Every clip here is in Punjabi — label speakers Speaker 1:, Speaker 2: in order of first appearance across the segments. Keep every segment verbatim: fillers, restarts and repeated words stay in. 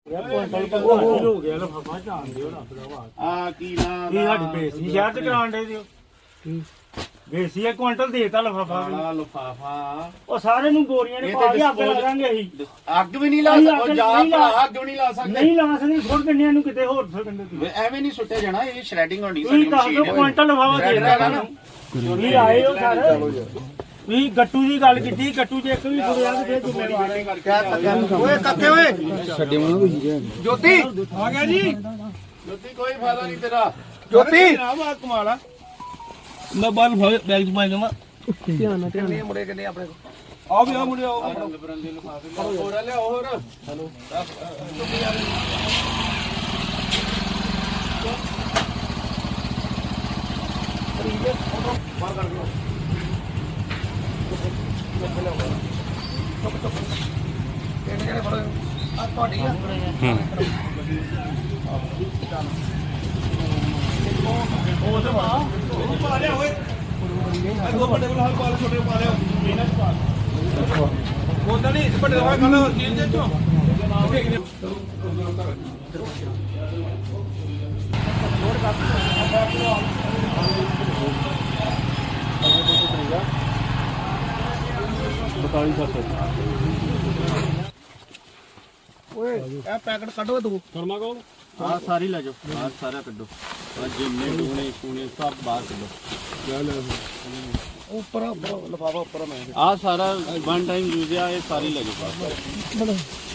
Speaker 1: ਹੋ ਗਿਆ ਲਫਾਫਾ ਜਾਣ ਦਿਓ ਰੱਬ ਦਾ ਵਾਸਤਾ
Speaker 2: ਆ ਕੀ ਨਾ
Speaker 1: ਇਹ ਸਾਡੀ ਬੇਇੱਜ਼ਤੀ ਸ਼ਹਿਰ ਚ ਕਰਾਉਣ ਦੇ ਦਿਓ ਬੇਇੱਜ਼ਤੀ ਇੱਕ ਕੁਇੰਟਲ ਦੇਤਾ ਲਫਾਫਾ
Speaker 2: ਕਾਲਾ ਲਫਾਫਾ
Speaker 1: ਉਹ ਸਾਰੇ ਨੂੰ ਗੋਰੀਆਂ ਨੇ ਪਾ ਕੇ ਅੱਗ ਲਾਵਾਂਗੇ ਅਸੀਂ
Speaker 2: ਅੱਗ ਵੀ ਨਹੀਂ ਲਾ ਸਕਦੇ ਜਾ ਭਰਾ ਅੱਗ ਵੀ ਨਹੀਂ ਲਾ ਸਕਦੇ
Speaker 1: ਨਹੀਂ ਲਾ ਸਕਦੇ ਸੁੱਟ ਦਿੰਦੇ ਨੂੰ ਕਿਤੇ ਹੋਰ ਸੁੱਟ ਦਿੰਦੇ
Speaker 2: ਐਵੇਂ ਨਹੀਂ ਸੁੱਟਿਆ ਜਾਣਾ ਇਹ ਸ਼੍ਰੈਡਿੰਗ ਹੋਣੀ
Speaker 1: ਤੁਸੀਂ ਦੱਸ ਦਿਓ ਕੁਇੰਟਲ ਲਫਾਫਾ ਦੇ ਦੇਣਾ ਤੁਸੀਂ ਆਏ ਹੋ ਸਾਰੇ ਵੀ ਗੱਟੂ ਦੀ ਗੱਲ ਕੀਤੀ ਗੱਟੂ ਚ ਇੱਕ ਵੀ ਫੁਰਿਆ ਤੇ ਫੇਰ ਜ਼ਿੰਮੇਵਾਰ
Speaker 2: ਓਏ ਕੱਕੇ ਓਏ ਛੱਡੇ ਮਨ ਕੋਈ ਜੋਤੀ ਆ ਗਿਆ ਜੀ ਜੋਤੀ ਕੋਈ ਫਾਇਦਾ ਨਹੀਂ ਤੇਰਾ ਜੋਤੀ ਆ ਬਾ ਕਮਾਲ
Speaker 3: ਮੈਂ ਬਾਹਰ ਬੈਗ ਚ ਪਾਈ ਜਾਵਾਂ
Speaker 2: ਧਿਆਨ ਨਾਲ ਧਿਆਨ ਨਾਲ ਮੁੰਡੇ ਕਿੰਨੇ ਆਪਣੇ ਕੋਲ
Speaker 3: ਆ ਵੀ ਆ ਮੁੰਡੇ ਆਓ
Speaker 2: ਬਰੰਦੇ ਲਿਫਾਫੇ ਹੋਰ ਲਿਆ ਹੋਰ ਹੈਲੋ ਬਾਹਰ ਕਰ ਦਿਓ ਕਿਹਨੇ ਕਿਹਨੇ ਫੜੋ ਆ ਤੁਹਾਡੀ ਆ ਹੂੰ ਉਹ ਤੇ ਮਾ ਉਹ ਪਾ ਲਿਆ ਓਏ ਦੋ ਵੱਡੇ ਕੋਲ ਹਾਲ ਪਾ ਲਿਆ ਛੋਟੇ ਪਾ ਲਿਆ ਇਹਨਾਂ ਚ ਪਾ ਉਹ ਤਾਂ ਨਹੀਂ ਵੱਡੇ ਦਾ ਖਾਣਾ ਜੀਨ ਦੇ ਚੋਂ ਓਏ ਇਹ ਪੈਕਟ ਕੱਢੋ ਤੂੰ
Speaker 3: ਫਰਮਾ ਕੋ
Speaker 2: ਆ ਸਾਰੀ ਲੈ ਜਾਓ ਬਾਹਰ ਸਾਰਾ ਕੱਢੋ ਆ ਜਿੰਨੇ ਡੂਣੇ ਸੂਣੇ ਸਭ ਬਾਹਰ ਕੱਢੋ
Speaker 3: ਲੈ ਲੈ
Speaker 2: ਉੱਪਰ ਉੱਪਰ ਲਫਾਫਾ ਉੱਪਰ ਮੈਂ ਆ ਸਾਰਾ ਵਨ ਟਾਈਮ ਯੂਜ਼ ਆ ਇਹ ਸਾਰੀ ਲੈ ਜਾਓ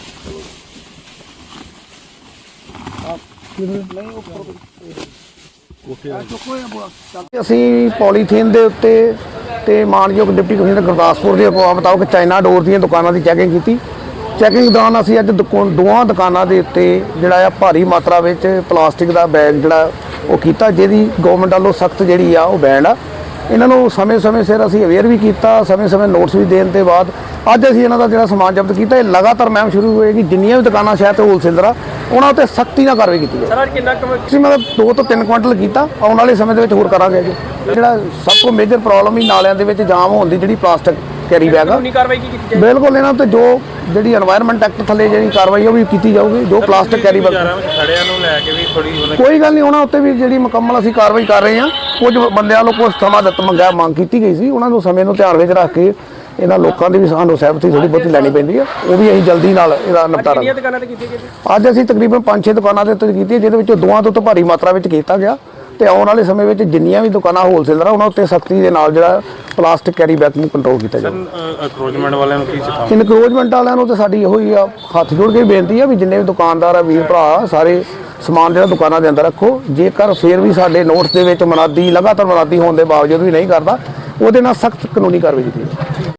Speaker 4: ਅਸੀਂ ਪੋਲੀਥੀਨ ਦੇ ਉੱਤੇ ਤੇ ਮਾਨਯੋਗ ਡਿਪਟੀ ਕਮਿਸ਼ਨਰ ਗੁਰਦਾਸਪੁਰ ਦੇ ਹੁਕਮਾਂ ਮੁਤਾਬਕ ਚਾਈਨਾ ਡੋਰ ਦੀਆਂ ਦੁਕਾਨਾਂ ਦੀ ਚੈਕਿੰਗ ਕੀਤੀ। ਚੈਕਿੰਗ ਦੌਰਾਨ ਅਸੀਂ ਅੱਜ ਦੋਵਾਂ ਦੁਕਾਨਾਂ ਦੇ ਉੱਤੇ ਜਿਹੜਾ ਆ ਭਾਰੀ ਮਾਤਰਾ ਵਿੱਚ ਪਲਾਸਟਿਕ ਦਾ ਬੈਗ ਜਿਹੜਾ ਉਹ ਕੀਤਾ, ਜਿਹਦੀ ਗਵਰਨਮੈਂਟ ਵੱਲੋਂ ਸਖਤ ਜਿਹੜੀ ਆ ਉਹ ਬੈਨ ਆ। ਇਹਨਾਂ ਨੂੰ ਸਮੇਂ-ਸਮੇਂ ਸਿਰ ਅਸੀਂ ਅਵੇਅਰ ਵੀ ਕੀਤਾ, ਸਮੇਂ-ਸਮੇਂ ਨੋਟਿਸ ਵੀ ਦੇਣ ਤੋਂ ਬਾਅਦ ਅੱਜ ਅਸੀਂ ਇਹਨਾਂ ਦਾ ਜਿਹੜਾ ਸਮਾਨ ਜ਼ਬਤ ਕੀਤਾ। ਇਹ ਲਗਾਤਾਰ ਮੁਹਿੰਮ ਸ਼ੁਰੂ ਹੋਏਗੀ, ਜਿੰਨੀਆਂ ਵੀ ਦੁਕਾਨਾਂ ਸ਼ਹਿਰ ਤੇ ਹੋਲਸੇਲਰ ਆ ਉਹਨਾਂ ਉੱਤੇ ਸਖਤੀ ਨਾਲ ਕਾਰਵਾਈ ਕੀਤੀ ਜਾਏ।
Speaker 3: ਸਰ ਕਿੰਨਾ
Speaker 4: ਅਸੀਂ ਮਤਲਬ ਦੋ ਤੋਂ ਤਿੰਨ ਕੁਇੰਟਲ ਕੀਤਾ, ਆਉਣ ਵਾਲੇ ਸਮੇਂ ਦੇ ਵਿੱਚ ਹੋਰ ਕਰਾਂਗੇ ਜੀ। ਜਿਹੜਾ ਸਭ ਤੋਂ ਮੇਜਰ ਪ੍ਰੋਬਲਮ ਹੀ ਨਾਲਿਆਂ ਦੇ ਵਿੱਚ ਜਾਮ ਹੋਣ ਦੀ ਜਿਹੜੀ ਪਲਾਸਟਿਕ ਕੈਰੀ ਬੈਗ ਆ,
Speaker 3: ਕਾਰਵਾਈ ਕੀ ਕੀਤੀ ਜਾਏ?
Speaker 4: ਬਿਲਕੁਲ ਇਹਨਾਂ ਤੇ ਜੋ ਜਿਹੜੀ এনवायरमेंट ਐਕਟ ਥੱਲੇ ਜਿਹੜੀ ਕਾਰਵਾਈ ਉਹ ਵੀ ਕੀਤੀ ਜਾਊਗੀ। ਜੋ ਪਲਾਸਟਿਕ ਕੈਰੀ ਬੈਗ
Speaker 3: ਖੜਿਆਂ ਨੂੰ ਲੈ ਕੇ ਵੀ ਥੋੜੀ
Speaker 4: ਕੋਈ ਗੱਲ ਨਹੀਂ, ਉਹਨਾਂ ਉੱਤੇ ਵੀ ਜਿਹੜੀ ਮੁਕੰਮਲ ਅਸੀਂ ਕਾਰਵਾਈ ਕਰ ਰਹੇ ਹਾਂ। ਕੁਝ ਬੰਦਿਆਂ ਨੂੰ ਕੁਝ ਸਮਾਂ ਦਿੱਤਾ ਮੰਗਿਆ ਮੰਗ ਕੀਤੀ ਗਈ ਸੀ, ਉਹਨਾਂ ਨੂੰ ਸਮੇਂ ਨੂੰ ਧਿਆਨ ਵਿੱਚ ਰੱਖ ਕੇ ਇਹਨਾਂ ਲੋਕਾਂ ਦੀ ਵੀ ਸਾਨੂੰ ਸਹਿਮਤੀ ਥੋੜੀ ਬਹੁਤੀ ਲੈਣੀ ਪੈਂਦੀ ਆ, ਉਹ ਵੀ ਅਸੀਂ ਜਲਦੀ ਨਾਲ ਇਹਦਾ ਨਿਪਟਾਰਾ
Speaker 3: ਕਿੰਨੀਆਂ ਦੁਕਾਨਾਂ ਤੇ ਕੀਤੀ ਗਈ?
Speaker 4: ਅੱਜ ਅਸੀਂ ਤਕਰੀਬਨ ਪੰਜ ਛੇ ਦੁਕਾਨਾਂ ਦੇ ਉੱਤੇ ਕੀਤੀ ਹੈ, ਜਿਹਦੇ ਵਿੱਚੋਂ ਦੋਵਾਂ ਤੋਂ ਭਾਰੀ ਮਾਤਰਾ ਵਿੱਚ ਕੀਤਾ ਗਿਆ। ਤੇ ਆਉਣ ਵਾਲੇ ਸਮੇਂ ਵਿੱਚ ਜਿੰਨੀਆਂ ਵੀ ਦੁਕਾਨਾਂ ਹੋਲਸੇਲਰ ਆ ਉਹਨਾਂ ਉੱਤੇ ਸਖਤੀ ਦੇ ਨਾਲ ਜਿਹੜਾ ਪਲਾਸਟਿਕ ਕੈਰੀ ਬੈਗ ਨੂੰ ਕੰਟਰੋਲ ਕੀਤਾ ਜਾਵੇ।
Speaker 3: ਅਕਰੋਚਮੈਂਟ ਵਾਲਿਆਂ ਨੂੰ ਕੀ ਸਿਖਾਓ?
Speaker 4: ਇਨਕਰੋਚਮੈਂਟ ਵਾਲਿਆਂ ਨੂੰ ਤੇ ਸਾਡੀ ਇਹੋ ਹੀ ਆ, ਹੱਥ ਜੋੜ ਕੇ ਬੇਨਤੀ ਆ ਵੀ ਜਿੰਨੇ ਵੀ ਦੁਕਾਨਦਾਰ ਆ ਵੀਰ ਭਰਾ ਸਾਰੇ ਸਮਾਨ ਜਿਹੜਾ ਦੁਕਾਨਾਂ ਦੇ ਅੰਦਰ ਰੱਖੋ। ਜੇਕਰ ਫੇਰ ਵੀ ਸਾਡੇ ਨੋਟਿਸ ਦੇ ਵਿੱਚ ਮਨਾਦੀ ਲਗਾਤਾਰ ਮਨਾਦੀ ਹੋਣ ਦੇ ਬਾਵਜੂਦ ਵੀ ਨਹੀਂ ਕਰਦਾ, ਉਹਦੇ ਨਾਲ ਸਖਤ ਕਾਨੂੰਨੀ ਕਾਰਵਾਈ ਕੀਤੀ ਜਾਵੇ।